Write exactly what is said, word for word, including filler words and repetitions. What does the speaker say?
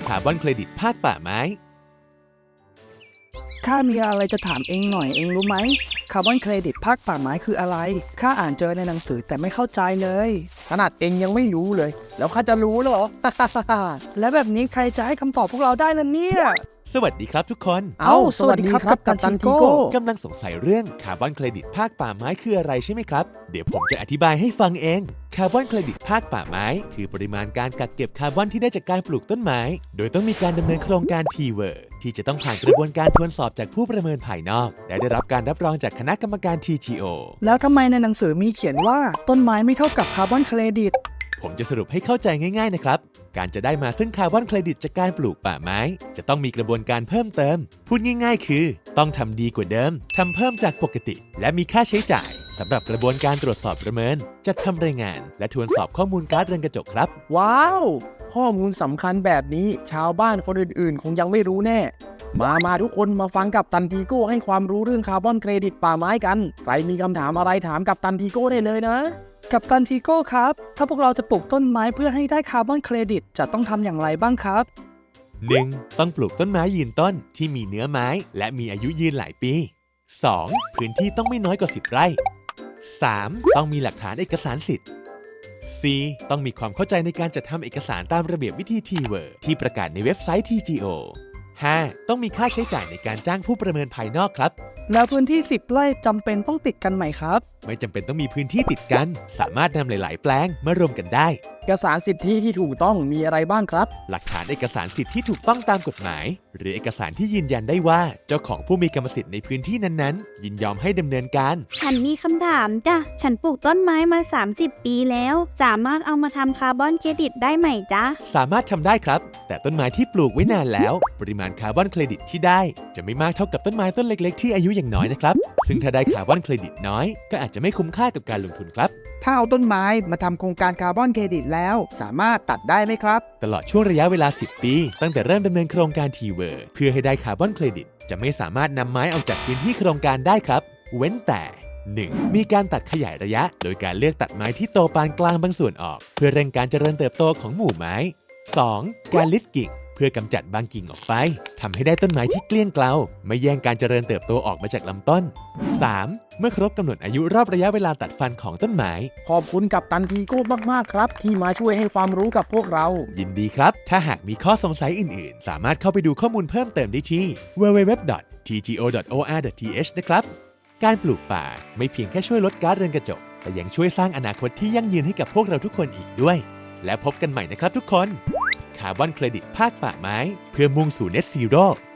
คาร์บอนเครดิตภาคป่าไม้ข้ามีอะไรจะถามเองหน่อยเองรู้ไหมคาร์บอนเครดิตภาคป่าไม้คืออะไรข้าอ่านเจอในหนังสือแต่ไม่เข้าใจเลยขนาดเองยังไม่รู้เลยแล้วข้าจะรู้เหรอและแบบนี้ใครจะให้คำตอบพวกเราได้ล่ะเนี่ยสวัสดีครับทุกคนเอ้าสวัสดีครับกัปตันทีโก้กำลังสงสัยเรื่องคาร์บอนเครดิตภาคป่าไม้คืออะไรใช่ไหมครับเดี๋ยวผมจะอธิบายให้ฟังเองคาร์บอนเครดิตภาคป่าไม้คือปริมาณการกักเก็บคาร์บอนที่ได้จากการปลูกต้นไม้โดยต้องมีการดำเนินโครงการ ที เวิร์ ที่จะต้องผ่านกระบวนการทวนสอบจากผู้ประเมินภายนอกและได้รับการรับรองจากคณะกรรมการ ที จี โอแล้วทำไมในหนังสือมีเขียนว่าต้นไม้ไม่เท่ากับคาร์บอนเครดิตผมจะสรุปให้เข้าใจง่ายๆนะครับการจะได้มาซึ่งคาร์บอนเครดิตจากการปลูกป่าไม้จะต้องมีกระบวนการเพิ่มเติมพูดง่ายๆคือต้องทำดีกว่าเดิมทำเพิ่มจากปกติและมีค่าใช้จ่ายสำหรับกระบวนการตรวจสอบประเมินจัดทำรายงานและทวนสอบข้อมูลก๊าซเรือนกระจกครับว้าวข้อมูลสำคัญแบบนี้ชาวบ้านคนอื่นๆคงยังไม่รู้แน่มามาทุกคนมาฟังกับตันทีโก้ให้ความรู้เรื่องคาร์บอนเครดิตป่าไม้กันใครมีคำถามอะไรถามกับตันทีโก้ได้เลยนะกัปตันทีโก้ครับถ้าพวกเราจะปลูกต้นไม้เพื่อให้ได้คาร์บอนเครดิตจะต้องทำอย่างไรบ้างครับหนึ่ง ต้องปลูกต้นไม้ยืนต้นที่มีเนื้อไม้และมีอายุยืนหลายปี สอง พื้นที่ต้องไม่น้อยกว่าสิบไร่ สาม ต้องมีหลักฐานเอกสารสิทธิ์ สี่ ต้องมีความเข้าใจในการจัดทำเอกสารตามระเบียบวิธี ที เวิร์ ที่ประกาศในเว็บไซต์ ที จี โอ ห้า ต้องมีค่าใช้จ่ายในการจ้างผู้ประเมินภายนอกครับแล้วพื้นที่สิบไร่จำเป็นต้องติดกันไหมครับไม่จำเป็นต้องมีพื้นที่ติดกันสามารถนำหลายๆแปลงมารวมกันได้เอกสารสิทธิที่ถูกต้องมีอะไรบ้างครับหลักฐานเอกสารสิทธิ์ที่ถูกต้องตามกฎหมายหรือเอกสารที่ยืนยันได้ว่าเจ้าของผู้มีกรรมสิทธิ์ในพื้นที่นั้นๆยินยอมให้ดำเนินการฉันมีคำถามจ้ะฉันปลูกต้นไม้มาสามสิบปีแล้วสามารถเอามาทำคาร์บอนเครดิตได้ไหมจ๊ะสามารถทำได้ครับแต่ต้นไม้ที่ปลูกไว้นานแล้วปริมาณคาร์บอนเครดิตที่ได้จะไม่มากเท่ากับต้นไม้ต้นเล็กๆที่อายุยังน้อยนะครับซึ่งถ้าได้คาร์บอนเครดิตน้อยก็อาจจะไม่คุ้มค่ากับการลงทุนครับถ้าเอาต้นไม้มาทำโครงการคาร์บอนเครดิตแล้วสามารถตัดได้ไหมครับตลอดช่วงระยะเวลาสิบปีตั้งแต่เริ่มดำเนินโครงการ ที เวิร์ เพื่อให้ได้คาร์บอนเครดิตจะไม่สามารถนำไม้ออกจากพื้นที่โครงการได้ครับเว้นแต่ หนึ่ง มีการตัดขยายระยะโดยการเลือกตัดไม้ที่โตปานกลางบางส่วนออกเพื่อเร่งการเจริญเติบโตของหมู่ไม้ สอง การลิดกิ่งเพื่อกำจัดบางกิ่งออกไปทำให้ได้ต้นไม้ที่เกลี้ยงเกลาไม่แย่งการเจริญเติบโตออกมาจากลำต้น สาม เมื่อครบกำหนดอายุรอบระยะเวลาตัดฟันของต้นไม้ขอบคุณกัปตันทีโก้มากๆครับที่มาช่วยให้ความรู้กับพวกเรายินดีครับถ้าหากมีข้อสงสัยอื่นๆสามารถเข้าไปดูข้อมูลเพิ่มเติมได้ที่ ดับเบิลยู ดับเบิลยู ดับเบิลยู ดอท ที จี โอ ดอท โอ อาร์ ดอท ที เอช นะครับการปลูกป่าไม่เพียงแค่ช่วยลดก๊าซเรือนกระจกแต่ยังช่วยสร้างอนาคตที่ยั่งยืนให้กับพวกเราทุกคนอีกด้วยและพบกันใหม่นะครับทุกคนคาร์บอนเครดิตภาคป่าไม้เพื่อมุ่งสู่ Net Zero